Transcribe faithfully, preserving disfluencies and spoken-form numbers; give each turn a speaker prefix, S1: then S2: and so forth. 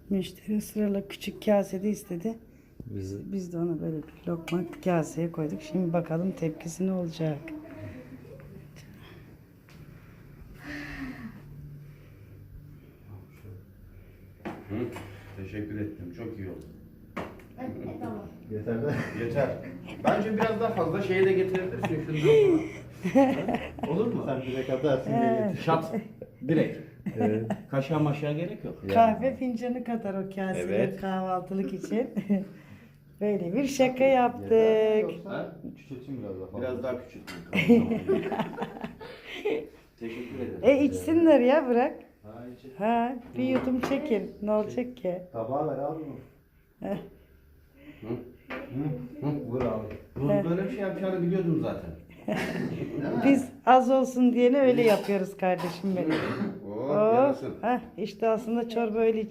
S1: Müşteri ısrarla küçük kasede istedi.
S2: Biz
S1: Biz de ona böyle bir lokma kaseye koyduk. Şimdi bakalım tepkisi ne olacak.
S3: Hı, teşekkür ettim. Çok iyi oldu.
S2: yeter de.
S3: Yeter. Bence biraz daha fazla şeye de getirebilirsin şundan falan. Olur mu?
S2: Sen direkt atarsın diye getir.
S3: Şat. Direkt.
S2: Evet.
S3: Kaşığa maşığa gerek yok.
S1: Kahve fincanı kadar o kasede
S3: Evet.
S1: kahvaltılık için. Böyle bir şaka yaptık.
S2: Yoksa küçültün biraz daha fazla.
S3: Biraz daha küçültün. Tamam. Teşekkür ederim.
S1: E içsinler ya bırak.
S2: Ha, içi.
S1: Ha bir yudum çekin. Ne olacak ki?
S2: Tabağı ver abi bunu.
S1: Heh.
S3: Hı?
S2: Hı? Vur abi.
S3: Bu böyle bir şey yapacağını biliyordum zaten.
S1: Biz az olsun diyene öyle yapıyoruz kardeşim benim.
S3: Oo,
S1: Oh,
S3: yarasın.
S1: heh, işte aslında çorba öyle